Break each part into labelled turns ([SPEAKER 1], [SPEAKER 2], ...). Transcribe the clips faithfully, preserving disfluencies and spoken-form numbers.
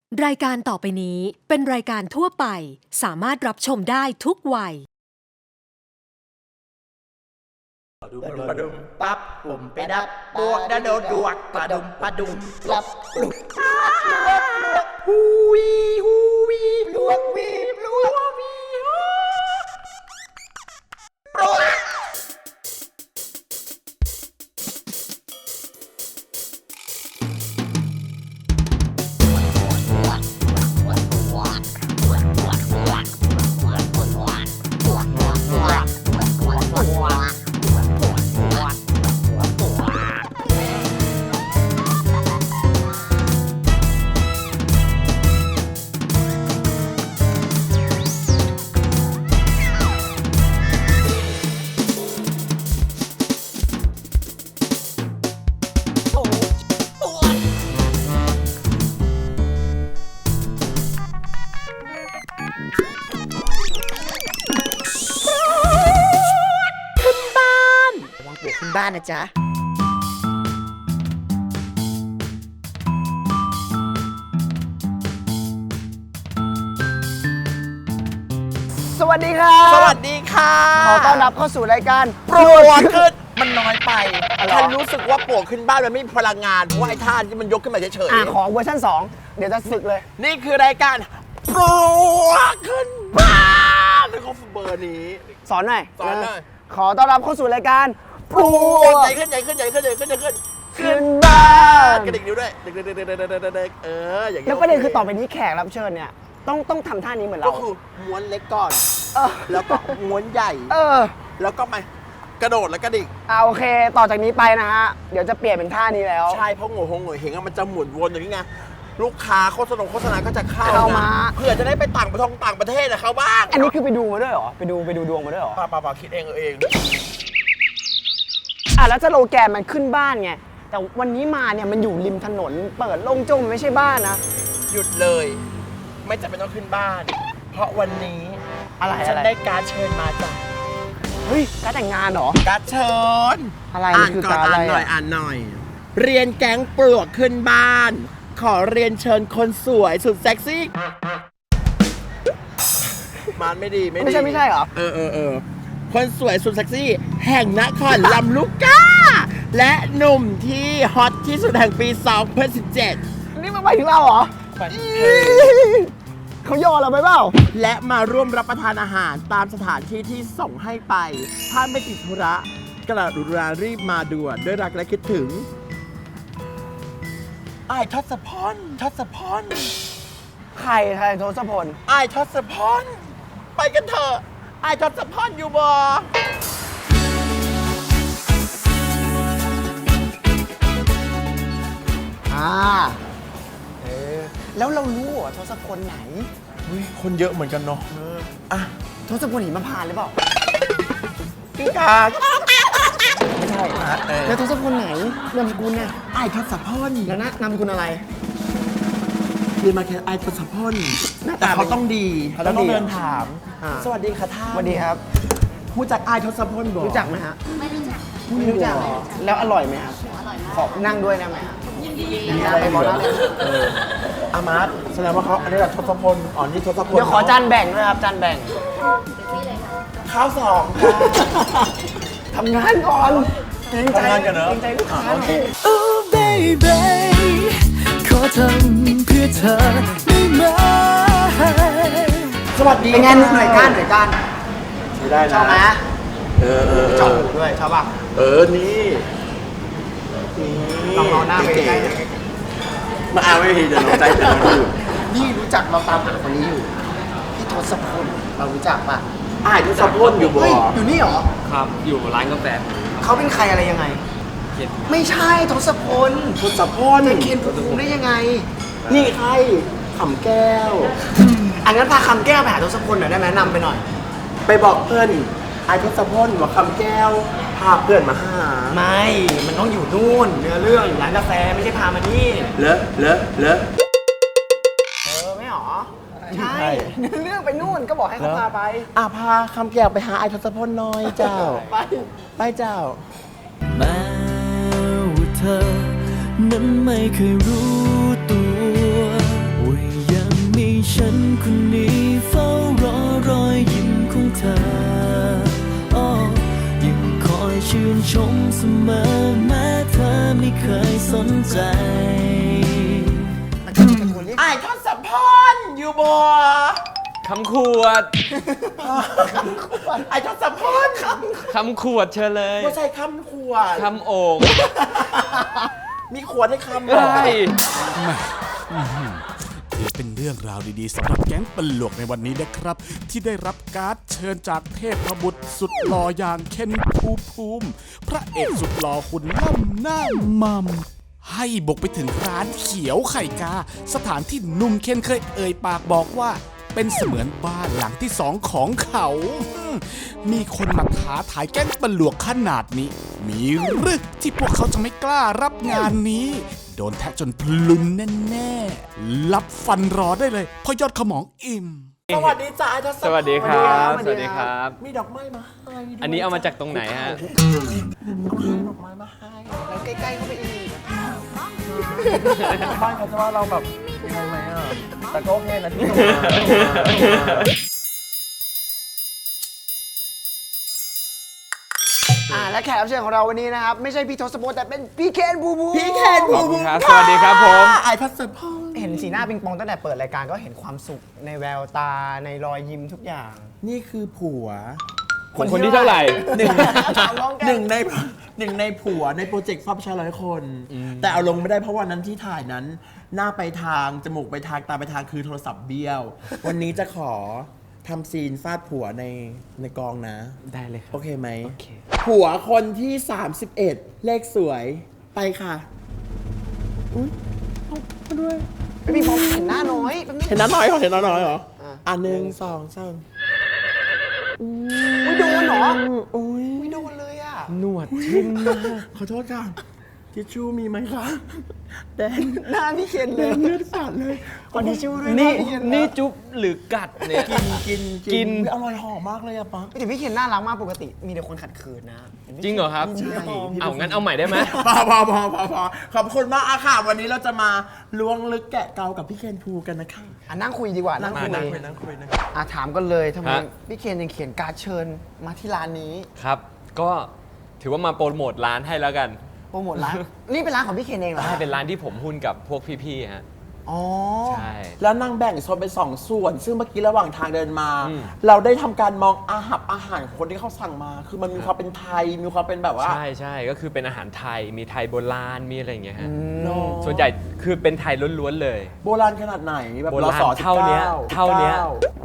[SPEAKER 1] รายการต่อไปนี้เป็นรายการทั่วไปสามารถรับชมได้ทุกวัย
[SPEAKER 2] ปะดุมปะดุมปั๊บปุ่มไปดับบวกดะโดดดวกปะดุมปะดุมลับปลุกฮูวีฮูวีลวกวีลวกวีปลุกขึ้นบ้านนะจ๊ะ
[SPEAKER 3] สวัสดีครับ
[SPEAKER 2] สวัสดีค่ะ
[SPEAKER 3] ขอต้อนรับเข้าสู่รายการ
[SPEAKER 2] ปวดขึ้นมันน้อยไปฉันรู้สึกว่าปวดขึ้นบ้านมันไม่มีพลังงานเพราะว่าไอ้ท่าที่มันยกขึ้นมาเฉย
[SPEAKER 3] อ่ะขอเวอร์ชันสองเดี๋ยวจะสึกเลย
[SPEAKER 2] ๆนี่คือรายการปวดขึ้นบ้านแล้วก็เบอร์นี้
[SPEAKER 3] สอนหน่อย
[SPEAKER 2] สอนหน่อย
[SPEAKER 3] ขอต้อนรับเข้าสู่รายการป
[SPEAKER 2] ปว
[SPEAKER 3] ว
[SPEAKER 2] ด
[SPEAKER 3] ด
[SPEAKER 2] ใหญ่ขึ้นใหญ่ขึ้นใหญ่ขึ้นใหญ่ขึ้นใหญ่ขึ้น
[SPEAKER 3] ขึ้นบ้าน
[SPEAKER 2] กระดิกนิ้วด้วยเด็กเด็กเด็กเด็กเด็กเด็กเอออย่างเงี้ย
[SPEAKER 3] แล้วประเด็นคือต่อไปนี้แขกรับเชิญเนี่ยต้องต้องทำท่านี้เหมือน
[SPEAKER 2] ก็
[SPEAKER 3] เรา
[SPEAKER 2] คือม้วนเล็กก่อน
[SPEAKER 3] เออ
[SPEAKER 2] แล้วก็ม้วนใหญ่
[SPEAKER 3] เออ
[SPEAKER 2] แล้วก็มากระโดดแล้วกระดิก
[SPEAKER 3] อ่าโอเค ต่อจากนี้ไปนะฮะเดี๋ยวจะเปลี่ยนเป็นท่านี้แล้ว
[SPEAKER 2] ใช่เพราะโง่โหงโง่เฮงอะมันจะหมุนวนอย่างนี้ไงลูกค้าโฆษณาโฆษณาก็จะเข้า
[SPEAKER 3] เข้ามา
[SPEAKER 2] เพื่อจะได้ไปต่างประเทศต่างประเทศนะเขาบ้าง
[SPEAKER 3] อันนี้คือไปดูมาด้วยเหรอไปดูไปดูดวงมาด้วยเหรอ
[SPEAKER 2] ป่าป่าป่าคิดเองเออเอง
[SPEAKER 3] อ่ะแล้วสโลแกนมันขึ้นบ้านไงแต่วันนี้มาเนี่ยมันอยู่ริมถนนเปิดโล่งโจ้งมันไม่ใช่บ้านนะ
[SPEAKER 2] หยุดเลย ไม่จำเป็นต้องขึ้นบ้าน เพราะวันนี้
[SPEAKER 3] อะไร
[SPEAKER 2] ฉั
[SPEAKER 3] อะ
[SPEAKER 2] น
[SPEAKER 3] ไร
[SPEAKER 2] ได้การดเชิญมาจาก
[SPEAKER 3] เฮ้ยการแต่งงานเหรอ
[SPEAKER 2] การดเชิญ
[SPEAKER 3] อะไร
[SPEAKER 2] อ่า
[SPEAKER 3] มัน
[SPEAKER 2] น
[SPEAKER 3] คือ
[SPEAKER 2] ก่อน
[SPEAKER 3] การอะไร
[SPEAKER 2] อ่านหน่อย
[SPEAKER 3] อะ
[SPEAKER 2] อ่านหน่อย เรียนแก๊งปลวกขึ้นบ้าน ขอเรียนเชิญคนสวยสุดเซ็กซี่มันไม่ดีไม่ดี
[SPEAKER 3] ไม่ใช่ไม่ใช่เหรอ
[SPEAKER 2] เออเออเออคนสวยสุดเซ็กซี่ แห่งนครลำลูกกา และหนุ่มที่ฮอตที่สุดแห่งปี สองพันสิบเจ็ด
[SPEAKER 3] นี่มันไปถึงเราเหรอ เขาย่อเราไปเปล่า
[SPEAKER 2] และมาร่วมรับประทานอาหารตามสถานที่ที่ส่งให้ไป ถ้าไม่ติดธุระกระดุรารีบมาด่วนด้วยรักและคิดถึงไอ้ายทศพลทศพล
[SPEAKER 3] ใครใครโทศพล
[SPEAKER 2] ไอ้ายทศพลไปกันเถอะไอ้ายทศพลอยู่บ่
[SPEAKER 3] อ่าเออแล้วเรารู้เหรอทศพลไหน
[SPEAKER 2] เฮ้ยคนเยอะเหมือนกันเนาะอ่ะ
[SPEAKER 3] ทศพลหิมพานต์หรือเปล่า
[SPEAKER 2] กิ้งกา
[SPEAKER 3] ไม่ใช่
[SPEAKER 2] เออ
[SPEAKER 3] แล้วทศพลไหนนามสกุลน่ะ
[SPEAKER 2] ไอ้ายทศพล
[SPEAKER 3] แล้วนะนามสกุลอะไร
[SPEAKER 2] เรียนมาแค่ไอ้ายทศพล
[SPEAKER 3] หน้าตา
[SPEAKER 2] แต่เขาต้องดี
[SPEAKER 3] เขาต้องดี
[SPEAKER 2] เดินถาม
[SPEAKER 3] อ่า
[SPEAKER 2] สวัสดีค่ะท่าน
[SPEAKER 3] สวัสดีครับ
[SPEAKER 2] รู้จักไอ้ายทศพลบ่
[SPEAKER 3] รู้จักไหมฮะ
[SPEAKER 4] ไม่รู้จัก
[SPEAKER 3] ไม่รู้จัก แล้วอร่อยไหมครับ
[SPEAKER 4] อร่อยมาก
[SPEAKER 3] ขอนั่งด้วยได้ไหมฮะ
[SPEAKER 4] ยินดี
[SPEAKER 3] มีอะไรบอกได้เลย
[SPEAKER 2] เอออามาร์ตแสดงว่าเขาอันนี้แหละทศพลอ๋อนี่ทศพล
[SPEAKER 3] เดี๋ยวขอจานแบ่งด้วยครับจานแบ่ง
[SPEAKER 4] ที่เลยค่ะ
[SPEAKER 2] ข้าวสองค่ะ
[SPEAKER 3] ทำงานก่อนเกรงใจ
[SPEAKER 2] ทำงานกันเหรอ
[SPEAKER 3] เกรงใจลูกค้าหน่อย
[SPEAKER 5] Oh baby ขอทำเพื่อเธอได้ไหม
[SPEAKER 2] สวัสดี
[SPEAKER 3] เป็นไงหน่วยก้านหน่วยก้าน
[SPEAKER 2] ไม่ได้นะ
[SPEAKER 3] ชอบไหม
[SPEAKER 2] เออเออ
[SPEAKER 3] ชอบด้วยชอบป่ะ
[SPEAKER 2] เออนี่นี่
[SPEAKER 3] ลองเอาหน้าไปใกล้ๆหน่อย
[SPEAKER 2] มาเอาไม่ทีเดี๋ยวน้องใจเดี๋ยวน้องอยู่
[SPEAKER 3] นี่รู้จักเราตามหาคนนี้อยู่พี่ทศพลเรารู้จักป่ะ
[SPEAKER 2] อ้ายทศพลอยู่บ่
[SPEAKER 3] เฮ้ยอยู่นี่เหรอ
[SPEAKER 5] ครับ อยู่ร้านกาแฟ
[SPEAKER 3] เขาเป็นใครอะไรยังไง
[SPEAKER 5] เคน
[SPEAKER 3] ไม่ใช่ทศพล
[SPEAKER 2] ทศพล
[SPEAKER 3] จะเคนภูมิภูมิได้ยังไง
[SPEAKER 2] นี่ใครขำแก้ว
[SPEAKER 3] อันนั้นพาคำแก้วไปหาทศพลหน่อยได้ไหมนำไปหน่อย
[SPEAKER 2] ไปบอกเพื่อนไอ้ทศพลว่าคำแก้วพาเพื่อนมาหา
[SPEAKER 3] ไม่ มันต้องอยู่นู่นเนื้อเรื่องอยู่ร้านกาแฟไม่ใช่พามานี่
[SPEAKER 2] เลอะเลอะเลอะ
[SPEAKER 3] เออไม่หรอ
[SPEAKER 2] ใช่
[SPEAKER 3] ใช่เนื้อเรื่องไปนู่นก็บอกให้เขาพาไป
[SPEAKER 2] อ่ะพาคำแก้วไปหาไอ้ทศพลหน้อยเจ้า
[SPEAKER 3] ไป
[SPEAKER 2] ไปเจ้า
[SPEAKER 5] แม้ว่าเธอ นั้นไม่เคยรู้ตัวว่าชมเสมอแม้เธอไม่เคยสนใจ
[SPEAKER 2] ไอ้ทศพรอยู่บ่
[SPEAKER 4] คำขวด
[SPEAKER 2] ไอ้ทศพร
[SPEAKER 4] คำขวดเชิญเลย
[SPEAKER 2] ไม่ใช่คำขวด
[SPEAKER 4] คำโอ่ง
[SPEAKER 2] มีขวดให้คำ
[SPEAKER 4] ใช่
[SPEAKER 6] ถือเป็นเรื่องราวดีๆสำหรับแก๊งปลวกในวันนี้นะครับ ที่ได้รับการ์ดเชิญจากเทพบุตรสุดหล่ออย่างเคนภูมิภูมิ พระเอกสุดหล่อหุ่นล่ำหน้ามัมให้บุกไปถึงร้านเขียวไข่กา สถานที่หนุ่มเคนเคยเอ่ยปากบอกว่า เป็นเสมือนบ้านหลังที่สองของเขาอืมมีคนมาท้าทายแก๊งปลวกขนาดนี้ มีหรือที่พวกเขาจะไม่กล้ารับงานนี้ โดนแทะจนพลุนแน่ๆรับฟันรอได้เลยเพราะยอดขมองอิ่ม
[SPEAKER 2] สวัสดีจ้าไอ้ทศพร
[SPEAKER 4] สวัสดีครับ สวัสดีครับ
[SPEAKER 2] มีดอกไม้มาให้ด้วย
[SPEAKER 4] อันนี้เอามาจากตรงไหนฮะ
[SPEAKER 2] ดอกไม้มาให้
[SPEAKER 3] แล้วใกล้ๆเข้าไปอีก
[SPEAKER 2] บ้านเขาจะว่าเราแบบยังไงไหมอ่ะแต่ก็โอเคนะที่ส่งมา
[SPEAKER 3] อ่าและแขกรับเชิญของเราวันนี้นะครับ ไม่ใช่พี่ทศพลแต่เป็นพี่เคนบูบู
[SPEAKER 2] พี่เคน
[SPEAKER 4] ขอบคุณครับ สวัสดีครับผม
[SPEAKER 2] ไอ้ทศพร
[SPEAKER 3] เห็นสีหน้าปิงปองตั้งแต่เปิดรายการก็เห็นความสุขในแววตาในรอยยิ้มทุกอย่าง
[SPEAKER 2] นี่คือผัว
[SPEAKER 4] คนคนที่เท่าไหร่
[SPEAKER 2] หนึ่ง
[SPEAKER 3] ถามน้องแก
[SPEAKER 2] หนึ่งในหนึ่งในผัวในโปรเจกต์ฟ้าประชาร้อยคน แต่เอาลงไม่ได้เพราะวันนั้นที่ถ่ายนั้น หน้าไปทาง จมูกไปทาง ตาไปทางคือโทรศัพท์เบี้ยว วันนี้จะขอทำซีนฟาดผัวในในกองนะ
[SPEAKER 4] ได้เลยครับ
[SPEAKER 2] โอเคไหม
[SPEAKER 4] โอเค
[SPEAKER 2] ผัวคนที่ สามสิบเอ็ด เลขสวยไปค่ะ อุ้ยเอามาด้วย
[SPEAKER 3] ไม่มีพอเห็นหน้าน้อยแป๊บนึง
[SPEAKER 2] เห็นน้าน้อยเหรอเห็นน้าน้อยเหรอ
[SPEAKER 3] อ่ะ
[SPEAKER 2] อ่ะหนึ่งสองสาม
[SPEAKER 3] อุ้ยโดนเหรอ
[SPEAKER 2] อุ้ย
[SPEAKER 3] ไม่โดนเลยอ่ะ
[SPEAKER 4] หนวดทิ่มมาก
[SPEAKER 2] ขอโทษค่ะทิชชู่มีไหมคะแดง
[SPEAKER 3] หน้าพี่เคน
[SPEAKER 2] แด
[SPEAKER 3] เลย
[SPEAKER 2] งเลือดสาดเลย
[SPEAKER 3] ขอทิชชู่ด้วย
[SPEAKER 4] นี่
[SPEAKER 3] หาพี่เคน
[SPEAKER 4] นี่จุ๊บหรือกัดเนี่ย
[SPEAKER 2] กินกิน
[SPEAKER 4] กิน
[SPEAKER 2] อุ๊ยอร่อยหอมมากเลยอะป๊า
[SPEAKER 3] แต่พี่เคนน่ารักมากปกติ มีแต่คนขัดขืนนะ
[SPEAKER 4] จริงเหรอครับ
[SPEAKER 3] ใช่
[SPEAKER 4] เอางั้นเอาใหม่ได้ไหม
[SPEAKER 2] พอพอพอพอพอขอบคุณมากอะค่ะ วันนี้เราจะมาล้วงลึกแกะเกากับพี่เคนภูกันนะคะ
[SPEAKER 3] อ่ะนั่งคุยดีกว่านั่งคุย
[SPEAKER 2] นั่งคุยนั่งคุยนั่ง
[SPEAKER 3] อ่ะถามกันเลยทำไม
[SPEAKER 4] ฮะ
[SPEAKER 3] พี่เคนยังเขียนการ์ดเชิญมาที่ร้านนี้
[SPEAKER 4] ครับ ก็ถือว่ามาโปรโมทร้านให้แล้วกัน
[SPEAKER 3] โปรโมทร้าน นี่เป็นร้านของพี่เคนเองเหรอ
[SPEAKER 4] ใช่เป็นร้านที่ผมหุ้นกับพวกพี่ๆฮะ
[SPEAKER 3] อ๋อ
[SPEAKER 4] ใช่
[SPEAKER 2] แล้วนั่งแบ่งโซนเป็นสองส่วน ซึ่งเมื่อกี้ระหว่างทางเดินมา
[SPEAKER 4] อืม
[SPEAKER 2] เราได้ทำการมองอาหารอาหารของคนที่เขาสั่งมา คือมันมีความเป็นไทย มีความเป็นแบบว่า
[SPEAKER 4] ใช่ใช่ก็คือเป็นอาหารไทย มีไทยโบราณ มีอะไรอย่างเงี้ยฮะ
[SPEAKER 2] เนอะ
[SPEAKER 4] ส่วนใหญ่คือเป็นไทยล้วนๆเลย
[SPEAKER 2] โบราณขนาดไหนแบบ
[SPEAKER 4] โบราณ
[SPEAKER 2] รศ
[SPEAKER 4] เท่าเนี้ย
[SPEAKER 2] สิบก้
[SPEAKER 4] เท่าเนี้ย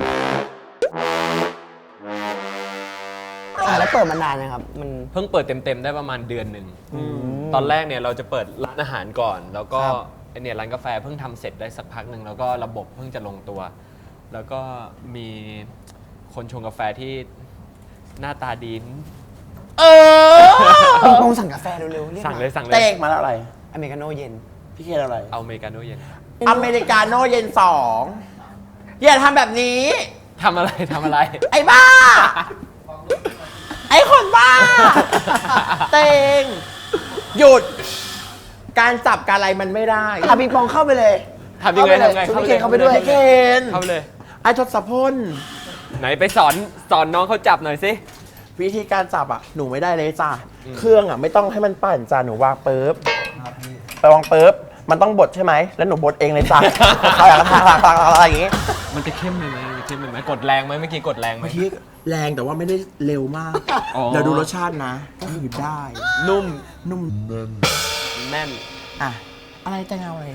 [SPEAKER 3] อ่ะแล้วเปิดมานานนะครับ มัน
[SPEAKER 4] เพิ่งเปิดเต็มๆได้ประมาณเดือนหนึ่ง ตอนแรกเนี่ยเราจะเปิดร้านอาหารก่อน แล้วก็ไอ้เนี่ยร้านกาแฟเพิ่งทำเสร็จได้สักพักหนึ่งแล้วก็ระบบเพิ่งจะลงตัว แล้วก็มีคนชงกาแฟที่หน้าตาดี
[SPEAKER 2] เออ
[SPEAKER 3] ปิงปองสั่งกาแฟเร็วๆเรียก
[SPEAKER 4] สั่งเลยสั่งเล
[SPEAKER 2] เต้
[SPEAKER 4] ย
[SPEAKER 2] งมาแล้วอะไร
[SPEAKER 3] อเมริกาโน่เย็น
[SPEAKER 2] พี่เคนอะไร
[SPEAKER 4] เอาอเมริกาโน่เย็น
[SPEAKER 2] อเมริกาโน่เย็นสองอย่าทำแบบนี้
[SPEAKER 4] ทำอะไรทำอะไร
[SPEAKER 2] ไอ้บ้า ไอ้คนบ้า เตงหยุด การจับการอะไรมันไม่ได้
[SPEAKER 3] อ่ะปิงปองเข้าไปเลย
[SPEAKER 4] ทำยังไง
[SPEAKER 3] เข้าปเลย
[SPEAKER 4] ทำไง
[SPEAKER 3] ชวนพี่เคนเข้าไปด้วย
[SPEAKER 2] ไอ้เคน
[SPEAKER 4] เข้าไปเลย
[SPEAKER 2] ไอ้ทศพล
[SPEAKER 4] ไหนไปสอนสอนน้องเขาจับหน่อยสิ
[SPEAKER 2] วิธีการจับอ่ะ หนูไม่ได้เลยจ้ะเครื่องอ่ะไม่ต้องให้มันปั่นจ้ะหนูวางปุ๊บไปวางปุ๊บมันต้องบดใช่ไหมแล้วหนูบดเองเลยจ้ะเขาอยากทำอะไรอย่างงี้
[SPEAKER 4] มันจะเข้มเลยไหมมันจะเข้มเลยไหมกดแรงไหมเมื่อกี้กดแรงไหม
[SPEAKER 2] เมื่อกี้แรงแต่ว่าไม่ได้เร็วมาก
[SPEAKER 4] อ๋อ
[SPEAKER 2] เดี๋ยวดูรสชาตินะ ก็คือได้
[SPEAKER 4] นุ่ม
[SPEAKER 2] นุ่ม
[SPEAKER 4] แน่น
[SPEAKER 2] อ่ะ อะไรจะเงาอะไร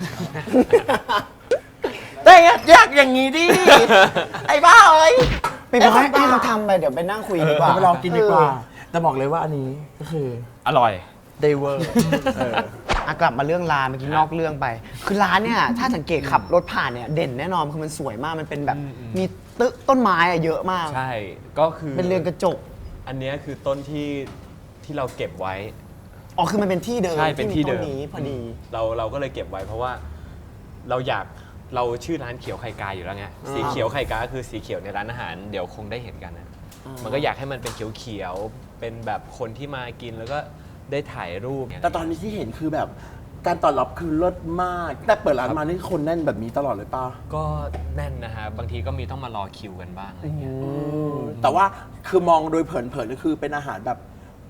[SPEAKER 2] แต่อยากอย่างนี้ดิ ไอ้บ้าเอ้ย
[SPEAKER 3] ปิงปองให้ให้เขาทำไปเดี๋ยวไปนั่งคุยดีกว่า
[SPEAKER 2] เดี๋ยวไปลองกินดีกว่า แต่บอกเลยว่าอันนี้ก็คือ
[SPEAKER 4] อร่อย
[SPEAKER 2] เดเวอร์
[SPEAKER 3] อ่ะกลับมาเรื่องร้านเมื่อกี้นอกเรื่องไป คือร้านเนี่ยถ้าสังเกตขับรถผ่านเนี่ยเด่นแน่นอนคือมันสวยมากมันเป็นแบบมีตึกต้นไม้อะเยอะมาก
[SPEAKER 4] ใช่ ก็คือ
[SPEAKER 3] เป็นเรือนกระจก
[SPEAKER 4] อันเนี้ยคือต้นที่ที่เราเก็บไว้
[SPEAKER 3] อ๋อคือมันเป็นที่เดิม
[SPEAKER 4] ใช่เป็นที่เดิม
[SPEAKER 3] มีต้นนี้พอดี
[SPEAKER 4] เราเราก็เลยเก็บไว้เพราะว่าเราอยากเราชื่อร้านเขียวไข่กาอยู่แล้วไงสีเขียวไข่กาก็คือสีเขียวในร้านอาหารเดี๋ยวคงได้เห็นกันนะมันก็อยากให้มันเป็นเขียวๆเป็นแบบคนที่มากินแล้วก็ได้ถ่ายรูป
[SPEAKER 2] แต่ตอนนี้ที่เห็นคือแบบการตอบรับคือเลิศมาก แต่เปิดร้านมานี่คนแน่นแบบนี้ตลอดเลยป่ะ
[SPEAKER 4] ก็แน่นนะฮะบางทีก็มีต้องมารอคิวกันบ้างอะไรเงี้ย
[SPEAKER 2] แต่ว่าคือมองโดยเผินๆก็คือเป็นอาหารแบบไ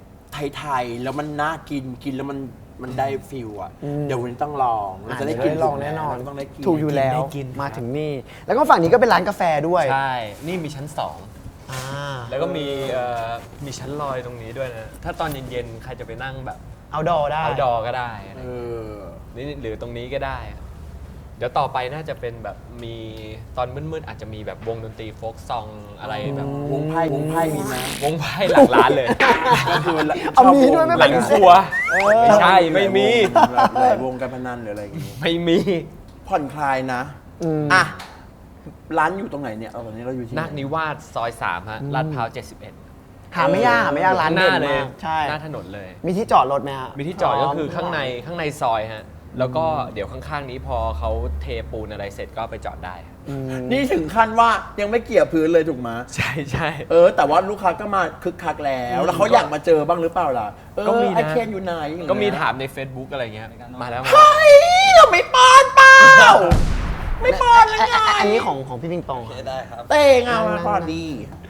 [SPEAKER 2] ไทยๆแล้วมันน่ากินกินแล้วมันมันได้ฟิลอ่ะเดี๋ยววันนี้ต้องลองเราจะได้
[SPEAKER 3] อ่ะ
[SPEAKER 2] กิน
[SPEAKER 3] เยวลองแน่นอน
[SPEAKER 2] เราต้องได้กิน
[SPEAKER 3] ถูกอยู่แล้ว
[SPEAKER 4] ได้กิน
[SPEAKER 3] มาถึงนี่ แล้วก็ฝั่งนี้ก็เป็นร้านกาแฟด้วย
[SPEAKER 4] ใช่ นี่มีชั้นสอง
[SPEAKER 3] อ่า
[SPEAKER 4] แล้วก็มีเอ่อมีชั้นลอยตรงนี้ด้วยนะ ถ้าตอนเย็นๆ ใครจะไปนั่งแบบ
[SPEAKER 3] เอาดอได้
[SPEAKER 4] เอาดอก็ได้อะไร
[SPEAKER 2] เออ
[SPEAKER 4] นี่หรือตรงนี้ก็ได้ เดี๋ยวต่อไปน่าจะเป็นแบบมีตอนมืดๆอาจจะมีแบบวงดนตรีโฟล์กซองอะไรแบบ
[SPEAKER 2] วงไพ่วงไพ่มีไหม
[SPEAKER 4] วงไพ่หลังร้านเลย
[SPEAKER 2] ก็คือ
[SPEAKER 3] เอามีด้วยไม่
[SPEAKER 4] หลังครัวไม่ใช่ไม่มี
[SPEAKER 2] หลายวงการพนันหรืออะไรอย่างงี้
[SPEAKER 4] ไม่มี
[SPEAKER 2] ผ่อนคลายนะ
[SPEAKER 3] อืม
[SPEAKER 2] อ่ะร้านอยู่ตรงไหนเนี่ยเอาตอนนี้เราอยู่ที่ไห
[SPEAKER 4] นาคนิวาสซอยสามฮะลาดพร้าวเจ็ดสิบเอ็ด
[SPEAKER 3] หาไม่ยากหาไม่ยากร้าน
[SPEAKER 4] ห
[SPEAKER 3] เด่
[SPEAKER 4] น้าน เลย
[SPEAKER 3] มากใช่
[SPEAKER 4] หน้าถนนเลย
[SPEAKER 3] มีที่จอดรถไหมฮะ
[SPEAKER 4] มีที่จอดก็คือข้างในข้างในซอยฮะ แล้วก็เดี๋ยวข้างๆนี้พอเขาเทปูนอะไรเสร็จก็ไปจอดได้
[SPEAKER 2] นี่ถึงขั้นว่ายังไม่เกี่ยวพื้นเลยถูกไหม
[SPEAKER 4] ใช่ใช่
[SPEAKER 2] เออ แต่ว่าลูกค้าก็มาคึกคักแล้ว แล้วเขาอยากมาเจอบ้างหรือเปล่าล่ะเออ
[SPEAKER 4] ก็มีนะ
[SPEAKER 2] ไอเคนอยู่ไหนอย่างเงี้ย
[SPEAKER 4] ก็มีถามใน Facebook อะไรเงี้ยมาแล้วมา
[SPEAKER 2] เฮ้ยเราไม่ป้อนเปล่าไม่ป้อนเลยไง
[SPEAKER 3] อ่ะอันนี้ของของพี่ปิงปองครับ
[SPEAKER 4] ได้ครับ
[SPEAKER 2] เต้งเอามาป้อนดี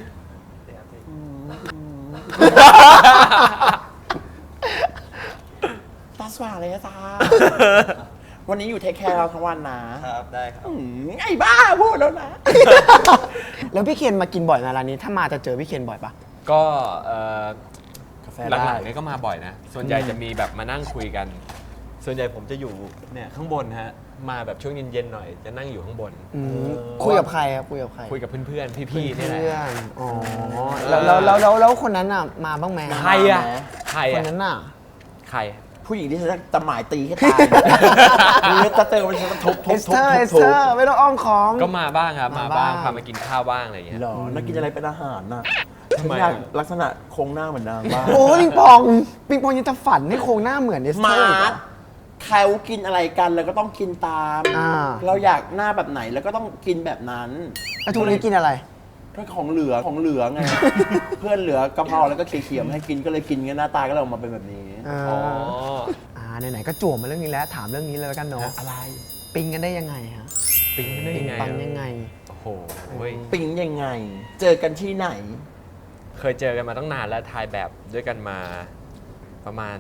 [SPEAKER 2] ตาสว่างเลยนะตาวันนี้อยู่เทคแคร์เราทั้งวันนะครับ
[SPEAKER 4] ได้ครับ
[SPEAKER 2] อืมไอ้บ้าพูดแล้วนะ
[SPEAKER 3] แล้วพี่เคนมากินบ่อยนะร้านนี้ ถ้ามาจะเจอพี่เคนบ่อยปะ
[SPEAKER 4] ก็เอ่อก
[SPEAKER 2] าแฟ
[SPEAKER 4] ห
[SPEAKER 2] ได้
[SPEAKER 4] ลังๆเนี่ยก็มาบ่อยนะ ส่วนใหญ่จะมีแบบมานั่งคุยกัน ส่วนใหญ่ผมจะอยู่เนี่ยข้างบนฮะ มาแบบช่วงเย็นๆหน่อย จะนั่งอยู่ข้างบน
[SPEAKER 3] คุยกับใครครับคุยกับใคร
[SPEAKER 4] คุยกับเพื่อนๆ พี่ๆนี่แหละ
[SPEAKER 3] เพื่อนอ๋อแล้วแล้วแล้วแล้วแล้วคนนั้นอ่ะมาบ้างไหม
[SPEAKER 4] ใครอะใคร
[SPEAKER 3] คน
[SPEAKER 4] อะ
[SPEAKER 3] นั้นอ่ะ
[SPEAKER 4] ใคร
[SPEAKER 2] ผู้หญิงที่ฉันจะหมายตีให้ตายหรือจะเจอมันจะทุบ
[SPEAKER 3] เอ
[SPEAKER 2] ทุบ
[SPEAKER 3] ส
[SPEAKER 2] ทุ
[SPEAKER 3] เต
[SPEAKER 2] บ
[SPEAKER 3] อร์เอส
[SPEAKER 2] ทุ
[SPEAKER 3] เต
[SPEAKER 2] บ
[SPEAKER 3] อร์ไม่ต้องอ้อมของ
[SPEAKER 4] ก็มาบ้างครับ มา
[SPEAKER 3] มา
[SPEAKER 4] บ้าง
[SPEAKER 3] บ้าง
[SPEAKER 4] พามากินข้าวบ้างอะไรอย่างเงี้ย
[SPEAKER 2] หรอน่ากินอะไรเป็นอาหารน่ะ
[SPEAKER 4] ทำไม
[SPEAKER 2] ฉันอยากลักษณะโครงหน้าเหมือนนางบ้าง
[SPEAKER 3] โอ้ปิงปองปิงปองยังจะฝันให้โครงหน้าเหมือนเอสเต
[SPEAKER 2] มา
[SPEAKER 3] อร์อีกเหรอ
[SPEAKER 2] เขากินอะไรกันแล้วก็ต้องกินตาม
[SPEAKER 3] อ่า
[SPEAKER 2] เราอยากหน้าแบบไหนแล้วก็ต้องกินแบบนั้น
[SPEAKER 3] แล้วทุกนี้กินอะไร
[SPEAKER 2] ก็ของเหลือของเหลือไง เพื่อนเหลือกะเพราแล้วก็เคี่ยวๆมาให้กินก็เลยกินกันหน้าตาก็เลยออกมาเป็นแบบนี้
[SPEAKER 3] อ๋
[SPEAKER 4] อ๋อ
[SPEAKER 3] อ่าไหนๆก็จั่วมาเรื่องนี้แล้วถามเรื่องนี้เลยแล้วกันเนาะ
[SPEAKER 2] อะไร
[SPEAKER 3] ปิงกันได้ยังไงฮะ
[SPEAKER 4] ปิ๊งได้
[SPEAKER 3] ปิง
[SPEAKER 4] ยังไง
[SPEAKER 3] ปัง
[SPEAKER 4] อะ
[SPEAKER 3] ยังไง
[SPEAKER 4] โอ้โหเว้ย
[SPEAKER 2] ปิ๊งยังไง เจอกันที่ไหน
[SPEAKER 4] เคยเจอกันมาตั้งนานแล้วถ่ายแบบด้วยกันมาประมาณ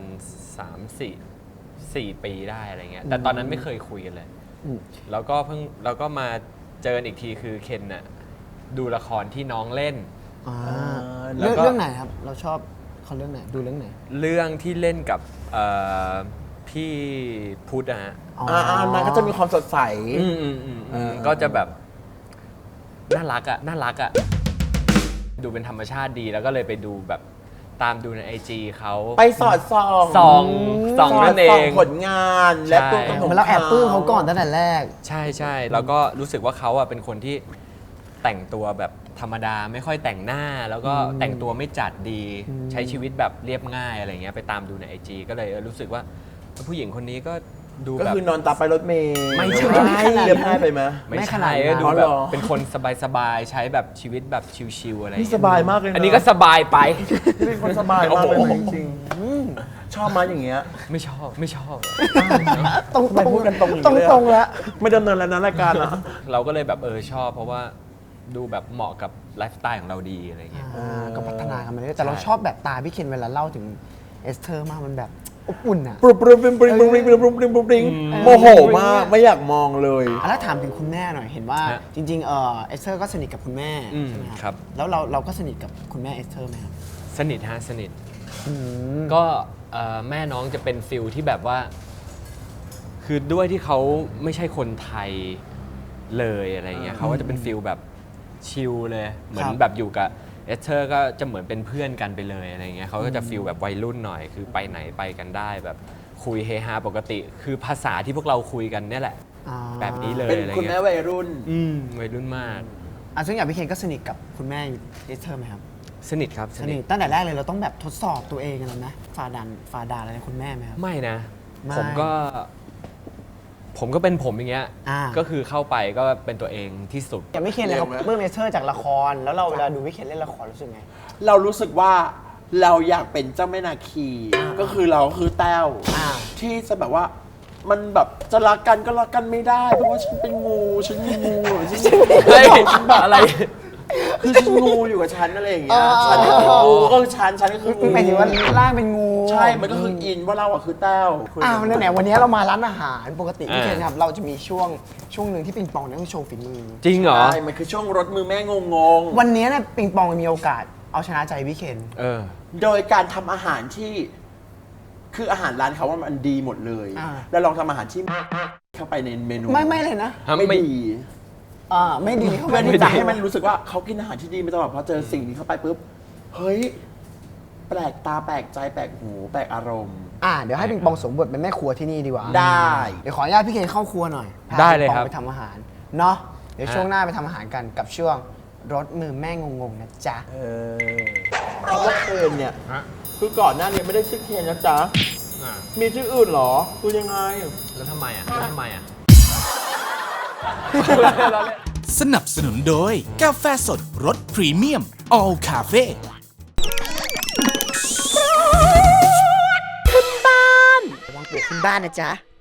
[SPEAKER 4] 3 4 4 ปีได้อะไรเงี้ย แต่ตอนนั้นไม่เคยคุยกันเลย
[SPEAKER 3] อืม
[SPEAKER 4] แล้วก็เพิ่งแล้วก็มาเจอกันอีกทีคือเคนน่ะดูละครที่น้องเล่น
[SPEAKER 3] อ่า
[SPEAKER 2] แล้
[SPEAKER 3] เรื่
[SPEAKER 2] ว
[SPEAKER 3] อง
[SPEAKER 2] ก็
[SPEAKER 3] เรื่องไหนครับ เราชอบเขาเรื่องไหน ดูเรื่องไหน
[SPEAKER 4] เรื่องที่เล่นกับเอ่อพี่พุทธอะฮะ
[SPEAKER 3] อ๋อ
[SPEAKER 2] อ่าอ่ามันก็จะมีความสดใส
[SPEAKER 4] อืมอืมอืม
[SPEAKER 2] เออ
[SPEAKER 4] ก็จะแบบน่ารักอะน่ารักอะดูเป็นธรรมชาติดีแล้วก็เลยไปดูแบบตามดูในไอจีเขา
[SPEAKER 2] ไปสอดส่อง
[SPEAKER 4] ส่องส่องนั่นเอ
[SPEAKER 2] สดส่
[SPEAKER 4] ง
[SPEAKER 2] ผลงานและ
[SPEAKER 4] ใช่
[SPEAKER 2] ตัวตนของ
[SPEAKER 3] เหมือนเราแอบปลื้มเขาก่อนตั้งแต่แรก
[SPEAKER 4] ใช่ใช่แล้วก็รู้สึกว่าเขาอะเป็นคนที่แต่งตัวแบบธรรมดาไม่ค่อยแต่งหน้า แล้วก็แต่งตัวไม่จัดดี ใช้ชีวิตแบบเรียบง่ายอะไรเงี้ยไปตามดูในไอจีก็เลยเออรู้สึกว่าผู้หญิงคนนี้ก็ดู
[SPEAKER 2] ก็
[SPEAKER 4] แบบ
[SPEAKER 2] คือนอนตาไปรถเมล์
[SPEAKER 4] ไม่ใช่
[SPEAKER 2] เรียบง่ายไปไหม
[SPEAKER 4] ไม่
[SPEAKER 3] ไม่ข
[SPEAKER 4] ใช่
[SPEAKER 3] นาดนั้น
[SPEAKER 4] ก็ดู
[SPEAKER 2] อ๋อ
[SPEAKER 4] แบ
[SPEAKER 2] เห
[SPEAKER 4] บ
[SPEAKER 2] รอ
[SPEAKER 4] เป็นคนสบายๆใช้แบบชีวิตแบบชิวๆอะไร
[SPEAKER 2] นี่
[SPEAKER 4] เงี้
[SPEAKER 2] สบายมากเลยนะ
[SPEAKER 4] อันนี้ก็สบายไป
[SPEAKER 2] นี่เป็นคนสบายมากเลย
[SPEAKER 4] โอ้โห
[SPEAKER 2] นะจริงๆชอบมาอย่างเงี้ย
[SPEAKER 4] ไม่ชอบไม่ชอบ
[SPEAKER 3] ๆ ตรง
[SPEAKER 2] ทำไมพูดกันตรงอย่าง
[SPEAKER 3] ตรง
[SPEAKER 2] นี้เลยอะ
[SPEAKER 3] ตรงๆแล้ว
[SPEAKER 2] ไม่ดำเนินแล้วนะรายการละ
[SPEAKER 4] เราก็เลยแบบเออชอบ เพราะว่าดูแบบเหมาะกับไลฟ์สไตล์ของเราดีอะไรเงี้ย
[SPEAKER 3] อ่าก็พัฒนากันมาเรื่อยๆแต่เรา
[SPEAKER 4] ใช่
[SPEAKER 3] ชอบแบบตาพี่เคนเวลาเล่าถึงเอสเธอร์มากมันแบบอบอุ่นอ่ะ
[SPEAKER 2] ปรุบปรุบปริงปริงปริงปริงปริงปริงปริงปริงโมโหมากไม่อยากมองเลย
[SPEAKER 3] อ่ะแล้วถามถึงคุณแม่หน่อยเห็นว่า
[SPEAKER 4] ฮะ
[SPEAKER 3] จริงๆเออเอสเธอร์ก็สนิทกับคุณแม่
[SPEAKER 4] อืม
[SPEAKER 3] ใช่ไหม
[SPEAKER 4] ครับ
[SPEAKER 3] แล้วเราเราก็สนิทกับคุณแม่เอสเธอร์ไหมครับ
[SPEAKER 4] สนิทฮะสนิท
[SPEAKER 3] อืม
[SPEAKER 4] ก็เอ่อแม่น้องจะเป็นฟิลที่แบบว่า คือด้วยที่เขาไม่ใช่คนไทยเลยอะไรเงี้ยเขาก็จะเป็นฟิลแบบชิลเลย เหมือนแบบอยู่กับเอสเธอร์ก็จะเหมือนเป็นเพื่อนกันไปเลยอะไรเงี้ยเขาก็จะฟิลแบบวัยรุ่นหน่อย คือไปไหนไปกันได้แบบคุยเฮฮาปกติ คือภาษาที่พวกเราคุยกันเนี่ยแหละ
[SPEAKER 3] อ่า
[SPEAKER 4] แบบนี้เลย
[SPEAKER 2] เป็น
[SPEAKER 4] อะไร
[SPEAKER 2] คุณแม่
[SPEAKER 4] เงี้ย
[SPEAKER 2] วัยรุ่น
[SPEAKER 4] อืมวัยรุ่นมาก
[SPEAKER 3] อ่ะซึ่งอย่างพี่เคนก็สนิทกับคุณแม่เอสเธอร์ไหมครับ
[SPEAKER 4] สนิทครับ
[SPEAKER 3] ส
[SPEAKER 4] ส
[SPEAKER 3] นิ
[SPEAKER 4] นิ
[SPEAKER 3] ท
[SPEAKER 4] ท
[SPEAKER 3] ตั้งแต่แรกเลยเราต้องแบบทดสอบตัวเองกันแล้วนะฝ่าดันฝ่าด่าอะไรคุณแม่ไหมครับ
[SPEAKER 4] ไม่นะ
[SPEAKER 3] ไม่
[SPEAKER 4] ผมก็ ผมก็เป็นผมอย่างเงี้ย
[SPEAKER 3] อ่า
[SPEAKER 4] ก็คือเข้าไปก็เป็นตัวเองที่สุด
[SPEAKER 3] อย่างพี่เคนเลยเขา
[SPEAKER 2] เร็วไหม
[SPEAKER 3] เพิ่มเอสเธอร์จากละคร แล้วเราเวลาดูพี่เคนเล่นละครรู้สึกไง
[SPEAKER 2] เรารู้สึกว่าเราอยากเป็นเจ้าแม่นาคี ก็คือเราก็คือแต้ว
[SPEAKER 3] อ่า
[SPEAKER 2] ที่จะแบบว่ามันแบบจะรักกันก็รักกันไม่ได้ เพราะว่าฉันเป็นงูฉันมีงูฉันมี
[SPEAKER 4] เฮ้ยอะไร
[SPEAKER 2] คืองูอยู่กับฉันอะไรอย่างเงี้ยฉันก็คืองูก็คือฉันฉันก็คืองู
[SPEAKER 3] หมายถึงว่าร่างเป็นงู
[SPEAKER 2] ใช่มันก็คืออินว่าเราอะคือแต้ว
[SPEAKER 3] อ้าวนั่นแหละวันนี้เรามาร้านอาหารปกติพี่
[SPEAKER 4] อ่า
[SPEAKER 3] เคนครับเราจะมีช่วงช่วงหนึ่งที่ปิงปองเนี่ยต้องโชว์ฝีมือ
[SPEAKER 4] จริงเหรอ
[SPEAKER 2] ใช่มันคือช่วงรถมือแม่งงง
[SPEAKER 3] วันนี้เนี่ยปิงปองมีโอกาสเอาชนะใจพี่เคน
[SPEAKER 4] เออ
[SPEAKER 2] ๆโดยการทำอาหารที่ คืออาหารร้านเขาว่ามันดีหมดเลย
[SPEAKER 3] อ่า
[SPEAKER 2] แล้วลองทำอาหารที่เข้าไปในเมนู
[SPEAKER 3] ไม่ไม่เลยนะ
[SPEAKER 2] ไม่
[SPEAKER 4] ไม่
[SPEAKER 2] ดี
[SPEAKER 3] อ่าไม่ดีเข้า
[SPEAKER 2] เพื่อ
[SPEAKER 3] ไป
[SPEAKER 2] ที่จะให้มันรู้สึกว่าเขากินอาหารที่ดีมาตลอดพอเจอสิ่งนี้เข้าไปปุ๊บเฮ้ยแปลกตาแปลกใจแปลกหูแปลกอารมณ์
[SPEAKER 3] อ่าเดี๋ยวให้ปิงปองสวมบทเป็นแม่ครัวที่นี่ดีกว่า
[SPEAKER 2] ได้
[SPEAKER 3] เดี๋ยวขออนุญาตพี่เคนเข้าครัวหน่อยพา
[SPEAKER 4] ได้เลย
[SPEAKER 3] ปิงปอง
[SPEAKER 4] ครับ
[SPEAKER 3] ไปทำอาหารเนาะเดี๋ยว
[SPEAKER 4] ฮะ
[SPEAKER 3] ช่วงหน้าไปทำอาหารกันกับช่วงรสมือแม่งงๆนะจ๊ะ
[SPEAKER 2] เออคำว่าเคนเนี่ย คือก่อนหน้านี้ไม่ได้ชื่อเคนนะจ๊ะ
[SPEAKER 4] อ่ะ
[SPEAKER 2] มีชื่ออื่นเหรอคือยังไง
[SPEAKER 4] แล้วทำไมอ่ะแล้วทำไมอ่ะ
[SPEAKER 6] สนับสนุนโดยกาแฟสดรสพรีเมียม All Cafe
[SPEAKER 3] ระวังปวกขึ้นบ้านนะจ๊ะ